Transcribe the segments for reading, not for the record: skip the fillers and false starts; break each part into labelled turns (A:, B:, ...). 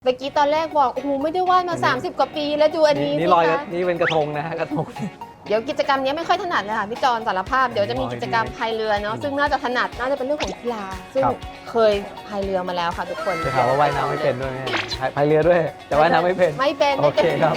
A: เมื่อกี้ตอนแรกบอกโอ้โหไม่ได้วาดมา30กว่าปีแล้วดูอันนี้
B: นี่
A: สิ
B: ลอย
A: คะ
B: นี่เป็นกระทงนะฮะกระทง
A: เดี๋ยวกิจกรรมนี้ไม่ค่อยถนัดเลยค่ะพี่จอนสารภาพเดี๋ยวจะมีกิจกรรมพายเรือเนาะซึ่งน่าจะถนัดน่าจะเป็นเรื่องของกีฬาซึ่งเคยพายเรือมาแล้วค่ะทุกคน
B: จะถามว่าว่ายน้ำไม่เป็นด้วยไหมพายเรือด้วยแต่ว่ายน้ำไม่เป็น
A: ไม่เป็น
B: โอเคครับ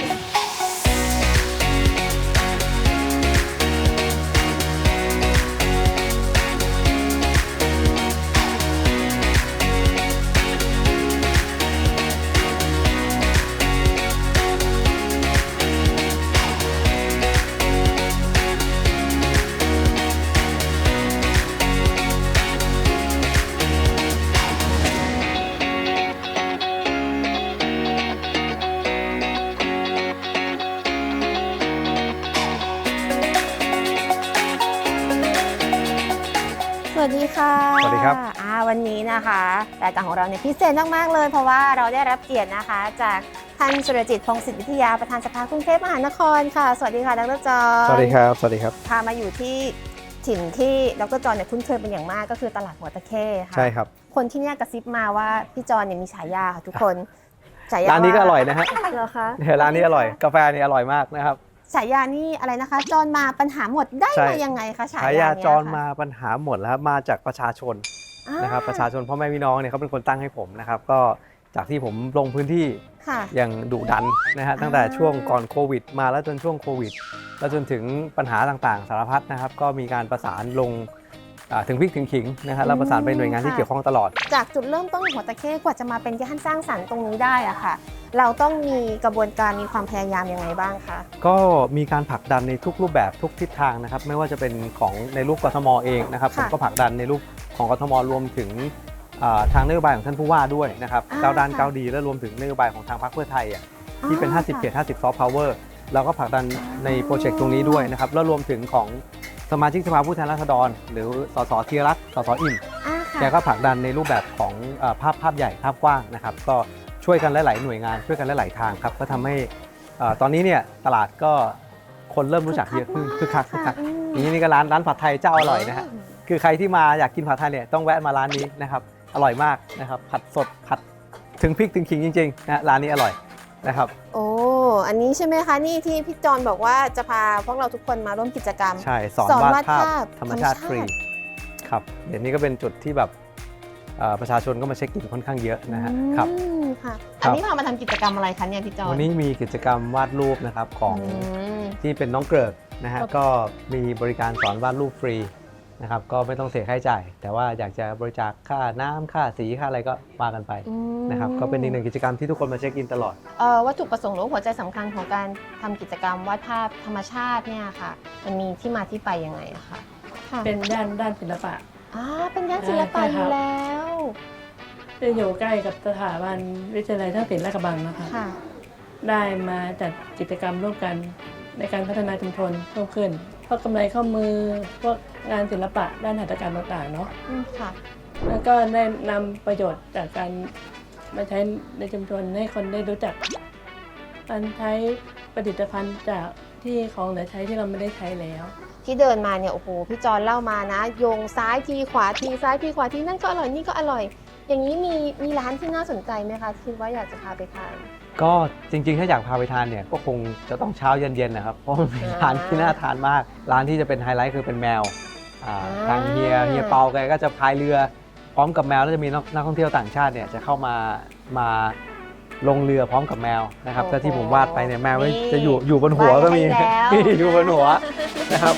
A: สวัสดีค่ะ
B: สวัสดีครับ
A: วันนี้นะคะรายการของเราเนี่ยพิเศษมากๆเลยเพราะว่าเราได้รับเกียรตินะคะจากท่านสุรจิต พงศิษฐ์วิทยาประธานสภากรุงเทพมหานครค่ะสวัสดีค่ะดรจอห์น
B: สวัสดีครับสวัสดีครับ
A: พามาอยู่ที่ถิ่นที่ดรจอห์นเนี่ยคุ้นเคยเป็นอย่างมากก็คือตลาดหัวตะเข้ค่ะ
B: ใช่ครับ
A: คนที่เนี่ยกระซิบมาว่าพี่จอห์นเนี่ยมีฉายาค่ะทุกคนฉายา
B: ร้านนี้ก็อร่อยนะฮะ
A: เหรอคะ
B: เนี่ยร้านนี้อร่อยกาแฟนี่อร่อยมากนะครับ
A: ฉายานี่อะไรนะคะจอห์นมาปัญหาหมดได้
B: ใช่
A: มายังไงคะฉา
B: ฉาย
A: า
B: า
A: เนี่ย
B: จร
A: ค่ะ
B: มาปัญหาหมดแล้วครับมาจากประชาชนนะครับประชาชนพ่อแม่พี่น้องเนี่ยเขาเป็นคนตั้งให้ผมนะครับก็จากที่ผมลงพื้นที่
A: ค่ะ
B: อย่างดุดันนะฮะตั้งแต่ช่วงก่อนโควิดมาแล้วจนช่วงโควิดแล้วจนถึงปัญหาต่างๆ สารพัดนะครับก็มีการประสานลงถึงพริกถึงขิงนะฮะแล้วประสานไปหน่วยงานที่เกี่ยวข้องตลอด
A: จากจุดเริ่มต้นของหัวตะเข้กว่าจะมาเป็นย่านสร้างสรรค์ตรงนี้ได้อะค่ะ เราต้องมีกระบวนการมีความพยายามยังไงบ้างคะ
B: ก็มีการผลักดันในทุกรูปแบบทุกทิศทางนะครับไม่ว่าจะเป็นของในรูปกทมเองนะครับผมก็ผลักดันในรูปของกทมรวมถึงทางนโยบายของท่านผู้ว่าด้วยนะครับก้าวด้านก้าวดีและรวมถึงนโยบายของทางพรรคเพื่อไทยที่เป็น 50 เขต 50 ซอฟต์พาวเวอร์เราก็ผลักดันในโปรเจกต์ตรงนี้ด้วยนะครับแล้วรวมถึงของสมาชิกสภาผู้แทนราษฎรหรือสสธีรรัตน์สสอิ่มแกก็ผลักดันในรูปแบบของภาพใหญ่ภาพกว้างนะครับก็ช่วยกันหลายๆหน่วยงานช่วยกันหลายๆทางครับก็ทำให้ตอนนี้เนี่ยตลาดก็คนเริ่มรู้จักเยอะขึ้นคึกคักนี่ก็ร้านผัดไทยเจ้าอร่อยนะฮะคือใครที่มาอยากกินผัดไทยเนี่ยต้องแวะมาร้านนี้นะครับอร่อยมากนะครับผัดสดผัดถึงพริกถึงขิงจริงๆนะร้านนี้อร่อยนะครับ
A: โอ้อันนี้ใช่ไหมคะนี่ที่พี่จอนบอกว่าจะพาพวกเราทุกคนมาร่วมกิจกรรม
B: ใช่สอนวาดภาพธรรมชาติฟรีครับเดี๋ยวนี้ก็เป็นจุดที่แบบประชาชนก็มาเช็คอินค่อนข้างเยอะนะฮะครับ
A: ค่ะอันนี้พามาทำกิจกรรมอะไรคะเนี่ยพี่จอน
B: วันนี้มีกิจกรรมวาดรูปนะครับของที่เป็นน้องเกริกนะฮะก็มีบริการสอนวาดรูปฟรีนะครับก็ไม่ต้องเสียค่าใช้จ่ายแต่ว่าอยากจะบริจาคค่าน้ำค่าสีค่าอะไรก็ว่ากันไปนะครับก็เป็นอีกหนึ่งกิจกรรมที่ทุกคนมาเช็คอินตลอด
A: วัตถุประสงค์หรือหัวใจสำคัญของการทำกิจกรรมวาดภาพธรรมชาติเนี่ยค่ะมันมีที่มาที่ไปยังไงอะคะ
C: เป็นด้านศิลปะ
A: เป็นย่านศิลปะอยู่แล้ว
C: จะอยู่ใกล้กับสถาบันวิทยาลัยท่าศิลป์ลาดกระบังนะคะได้มาจัดกิจกรรมร่วมกันในการพัฒนาชุมชนเพิ่มขึ้นพวกกำไรข้อมือพวกงานศิลปะด้านหัตถกรรมต่างๆเนาะแล้วก็ได้นำประโยชน์จากการมาใช้ในชุมชนให้คนได้รู้จักการใช้ผลิตภัณฑ์จากที่ของเหลือใช้ที่เราไม่ได้ใช้แล้ว
A: ที่เดินมาเนี่ยโอ้โหพี่จอนเล่ามานะโยงซ้ายทีขวาทีซ้ายทีขวาทีนั่นก็อร่อยนี่ก็อร่อยอย่างนี้มีร้านที่น่าสนใจไหมคะคิดว่าอยากจะพาไปทาน
B: ก็จริงๆถ้าอยากพาไปทานเนี่ยก็คงจะต้องเช้าเย็นๆนะครับเพราะมันเป็นร้านที่น่าทานมากร้านที่จะเป็นไฮไลท์คือเป็นแมวทางเฮียเปาแกก็จะพายเรือพร้อมกับแมวแล้วจะมีนักท่องเที่ยวต่างชาติเนี่ยจะเข้ามาลงเรือพร้อมกับแมวนะครับก็ที่ผมวาดไปเนี่ยแมวจะอยู่บนหัวก็มีอยู่บนหัวนะครับ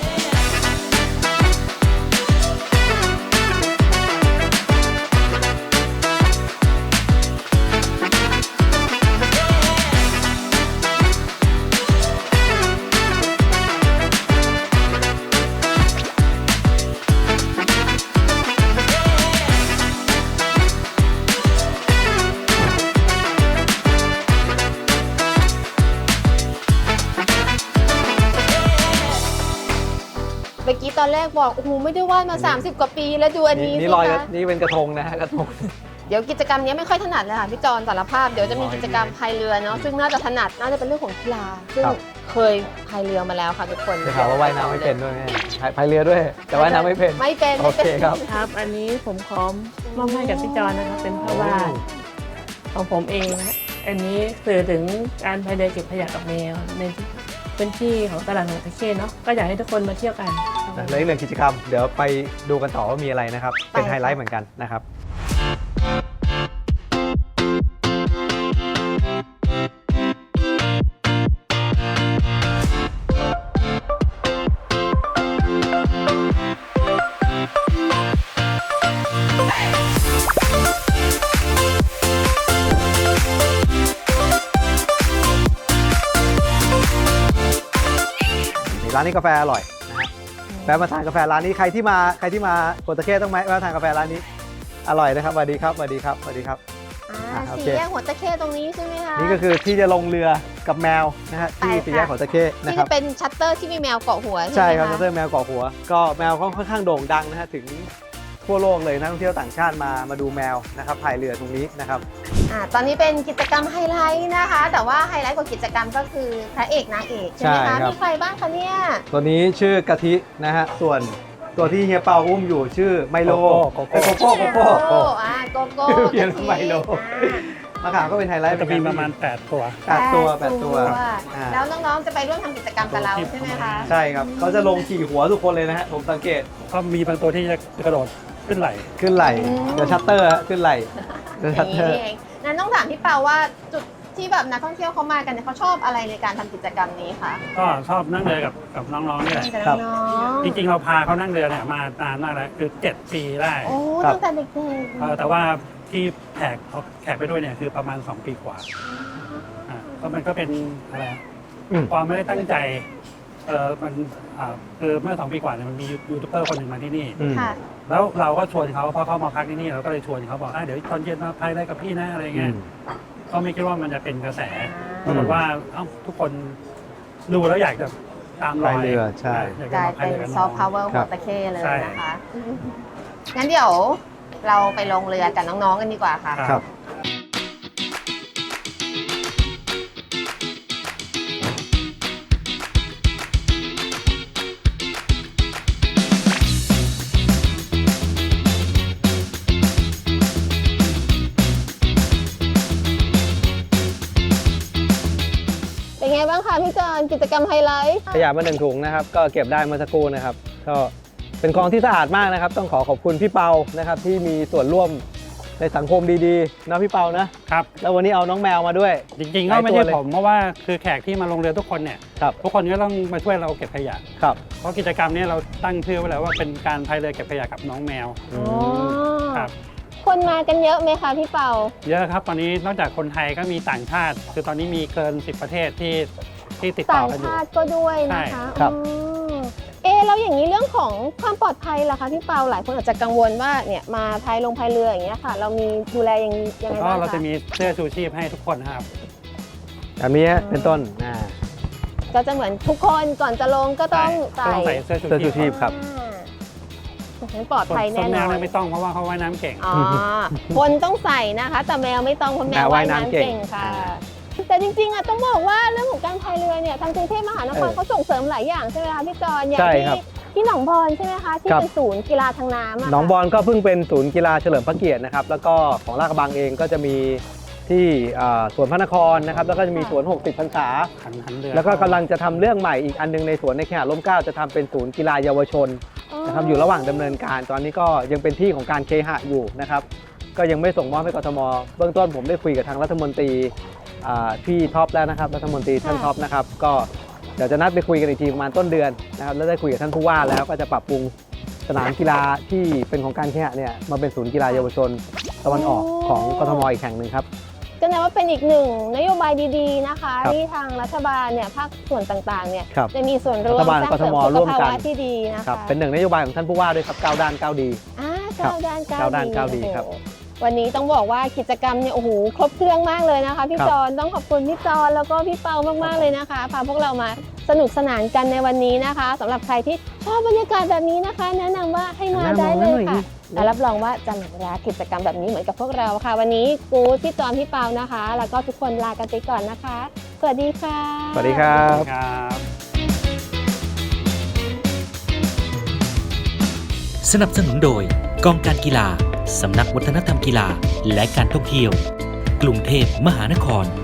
A: เมื่อกี้ตอนแรกบอกโอ้โหไม่ได้วาดมา30กว่าปีแล้วดูอันนี้
B: นี่
A: สิ
B: ลอย
A: คะ
B: นี่เป็นกระทงนะฮะกระทง
A: เดี๋ยวกิจกรรมนี้ไม่ค่อยถนัดเลยค่ะพี่จอนสารภาพเดี๋ยวจะมีกิจกรรมพายเรือเนาะซึ่งน่าจะถนัดน่าจะเป็นเรื่องของกีฬาซึ่งเคยพายเรือมาแล้วค่ะทุกคน
B: จะถามว่าว่ายน้ำไม่เป็นด้วยไหมพายเรือด้วยแต่ว่ายน้ำไม่เป็นโอเคครับ
C: อันนี้ผมขอมอบให้กับพี่จอนนะครับเป็นภาพวาดของผมเองนะอันนี้สื่อถึงการพายเรือเก็บขยะกับแมวในพื้นที่ของตลาดหัวตะเข้เนาะก็อยากให้ทุกคนมาเที่ยวกัน
B: และอีกหนึ่งกิจกรรมเดี๋ยวไปดูกันต่อว่ามีอะไรนะครับ เป็นไฮไลท์เหมือนกันนะครับร้านนี้กาแฟอร่อยนะฮะแวะมาทานกาแฟร้านนี้ใครที่มาโกตะเข้ต้องแวะทานกาแฟร้านนี้อร่อยนะครับสวัสดีครับสวัสดีครับสวัสดีครับ โอ
A: สี่
B: เค
A: แยกหัวตะเข้ตรงนี้ใช่ไหมคะ
B: นี่ก็คือที่จะลงเรือกับแมวนะฮะที่
A: ไปค่ะ
B: สี่แยกของตะเข้นะ
A: ที่
B: ครั
A: จะ
B: บ
A: เป็นชัตเตอร์ที่มีแมวเกาะหัว
B: ใช่
A: ใช่ไหม
B: ครับ
A: คะ
B: ชัตเตอร์แมวเกาะหัว ก็แมวค่อนข้างโด่งดังนะฮะถึงทั่วโลกเลยนักท่องเที่ยวต่างชาติมาดูแมวนะครับพายเรือตรงนี้นะครับ
A: ตอนนี้เป็นกิจกรรมไฮไลท์นะคะ แต่ว่าไฮไลท์ของกิจกรรมก็คือพระเอกนางเอกใช่ไหม
B: ใช่
A: คะ
B: ครับ
A: มีใครบ้างคะเนี่ย
B: ตัวนี้ชื่อกะทินะฮะส่วนตัวที่เฮียเปาอุ้มอยู่ชื่อไมโล
D: โกโก้
B: โกโก้โกโก้
A: โก้โกโก้
B: เพี้ยน
A: กะทิ
B: ไมโล มะขามก็เป็นไฮไลท์
D: จะมีประมาณ8ตัว
B: 8 ตัวอ่า
A: แล้วน้องๆจะไปร่วมทำกิจกรรมกับเราใช่ไหมคะ
B: ใช่ครับเขาจะลงขี่หัวทุกคนเลยนะฮะผมสังเกต
D: ก็มีบางตัวที่จะกระโดดขึ้นไหล
B: ขึ้นไหลเดี๋ยวชัตเตอร์ฮะขึ้นไหลเดี๋ยว
A: อ
B: ชั
A: ย่า
B: ต
A: ง
B: เตอ
A: นี้
B: ร์
A: เองงั้นต้องถามพี่เปาว่าจุดที่แบบนักท่องเที่ยวเขามากันเนี่ยเขาชอบอะไรในการทำกิจกรรมนี้คะ
D: ก็ชอบนั่งเรือกับน้องๆนี่แหละ
A: กับน้อง
D: จริงๆเราพาเขานั่งเรือเนี่ยมานานมากแล้วคือ7 ปีได้
A: ๆโอ้ตั้งแต่เด็ก
D: แต่ว่าที่แขกไปด้วยเนี่ยคือประมาณ2 ปีกว่าก็มันก็เป็นอะไรความไม่ได้ตั้งใจมันคือเมื่อ2 ปีกว่าเนี่ยมันมียูทูบเบอร์คนหนึ่งมาที่นี่
A: ๆค่ะ
D: แล้วเราก็ชวนเขาเพราะเขามาพักที่นี่เราก็เลยชวนเขาบอกเดี๋ยวตอนเย็นมาพายได้กับพี่นะอะไรเงี้ยก็ไม่คิดว่ามันจะเป็นกระแสปรากฏว่าทุกคนดูแล้วอยากจะตามรอย
B: พายเรือใช่
D: อยาก
A: ก
D: จะ
A: ลาย
D: มาพาย
A: เป็น
D: เรือกับ
A: ซ
D: น้
A: อ
D: อ
A: ฟ
D: ง
A: ต์พาวเวอร์หัวตะเข้เลย
D: ใช่
A: นะคะ งั้นเดี๋ยวเราไปลงเรือกับน้องๆกันดีกว่าค่ะ
B: ครับ
A: เป็นไงบ้างคะพี่จอนกิจกรรมไฮไลท์
B: ขยะมา1 ถุงนะครับก็เก็บได้เมื่อสักครู่นะครับก็เป็นกองที่สะอาดมากนะครับ ต้องขอบคุณพี่เปานะครับที่มีส่วนร่วมในสังคมดีๆนะพี่เปานะครับ แล้ววันนี้เอาน้องแมวมาด้วย
D: จริงๆก็ไม่ใช่ผมเพราะว่าคือแขกที่มาลงเรือทุกคนเนี่ย
B: ครับ
D: ทุกคนก็ต้องมาช่วยเราเก็บขยะ
B: ครับ
D: เพราะกิจกรรมนี้เราตั้งชื่อไว้แล้วว่าเป็นการพายเรือเก็บขยะกับน้องแมว
A: อ๋อ
D: ครับ
A: คนมากันเยอะไหมคะพี่เปา
D: เยอะครับตอนนี้นอกจากคนไทยก็มีต่างชาติ คือตอนนี้มีเกิน10 ประเทศที่ติดต่
A: ต่า
D: อง กันอยู่
A: ชาติก็ด้วยนะคะ
B: ใช่ครับ
A: แล้วอย่างนี้เรื่องของความปลอดภัยล่ะคะพี่เปาหลายคนอาจจะกังวลว่าเนี่ยมาพายเรืออย่างเงี้ยค่ะ เรามีดูแลยังไง
D: ก็
A: บ้าง
D: เราจะ
A: คะ
D: มีเสื้อชูชีพให้ทุกคนนะครับ
B: แบบนี้เป็นต้น
A: ก็จะเหมือนทุกคนก่อนจะลงก็ต้อง
D: ก็ต้องใส่เสื้อชู
B: เสื้อชูชี
D: ชี
B: พ
D: พ
B: ครับ
A: งั้นปลอดภัย
D: ส่
A: แน่
D: วน
A: น
D: แม
A: อ
D: วน ไม่ต้องเพราะว่าเขาว่ายน้ำเก่ง
A: อ๋อคนต้องใส่นะคะ แต่แมวไม่ต้องเพราะแมวว่ายน้ำเก่งค่ะ แต่จริงๆอ่ะต้องบอกว่าเรื่องของการพายเรือเนี่ยทางกรุงเทพมหานครเขาส่งเสริมหลายอย่างใช่ไหมคะพี่จอนอย่าง
B: ใช่ครับ
A: ที่หนองบอนใช่ไหมคะที่
B: ครับ
A: เป็นศูนย์กีฬาทางน้ำะ
B: หนองบอนก็เพิ่งเป็นศูนย์กีฬาเฉลิมพระเกียรตินะครับแล้วก็ของลาดกระบังเองก็จะมีที่สวนพระนครนะครับแล้วก็จะมีสวน 60 พรรษา
D: หันเรือ
B: แล้วก็กำลังจะทำเรื่องใหม่อีกอันนึงในสวนในเขตร่มเกล้าจะทำเป็นศูนย์กีฬาเยาวชนนะครับอยู่ระหว่างดำเนินการตอนนี้ก็ยังเป็นที่ของการเคหะอยู่นะครับก็ยังไม่ส่งมอบให้กทมเบื้องต้นผมได้คุยกับทางรัฐมนตรีพี่ท็อปแล้วนะครับรัฐมนตรีท่านท็อปนะครับก็เดี๋ยวจะนัดไปคุยกันอีกทีประมาณต้นเดือนนะครับแล้วได้คุยกับท่านผู้ว่าแล้วก็จะปรับปรุงสนามกีฬาที่เป็นของการเคหะเนี่ยมาเป็นศูนย์กีฬาเยาวชนตะวันออกของกทมอีกแห่งหนึ่งครับ
A: ก็นับว่าเป็นอีกหนึ่งนโยบายดีๆนะคะ
B: ครับ
A: ที่ทางรัฐบาลเนี่ยภาคส่วนต่างๆเนี่ย
B: ครับ
A: จะมีส่วนร่วม
B: รัฐบาล
A: สร้างเสริม
B: กทม
A: สุ
B: ร่
A: ข
B: วม
A: ภา
B: กัน
A: วะที่ดีนะ
B: ครั
A: คะ
B: บเป็นหนึ่งนโยบายของท่านผู้ว่าด้วยครับ9 ด้าน 9 ดี
A: ก้าวด้านก้าว
B: ก้าวด้านก้าวดี
A: โอ้โห
B: ครับ
A: วันนี้ต้องบอกว่ากิจกรรมเนี่ยโอ้โหครบเครื่องมากเลยนะคะพี่
B: ครับ
A: จอนต้องขอบคุณพี่จอนแล้วก็พี่เปามากๆเลยนะคะพาพวกเรามาสนุกสนานกันในวันนี้นะคะสำหรับใครที่ชอบบรรยากาศแบบนี้นะคะ แนะนำว่าให้มาได้เลยค่ะและรับรองว่าจะหลงรักกิจกรรมแบบนี้เหมือนกับพวกเราค่ะ วันนี้กู๊ดพี่จอนพี่เปานะคะ แล้วก็ทุกคนลากันไปก่อนนะคะ สวัสดีค่ะ
B: สวัสดีครับ
D: ครับ
E: สนับสนุนโดยกองการกีฬา สำนักวัฒนธรรมกีฬาและการท่องเที่ยวกรุงเทพมหานคร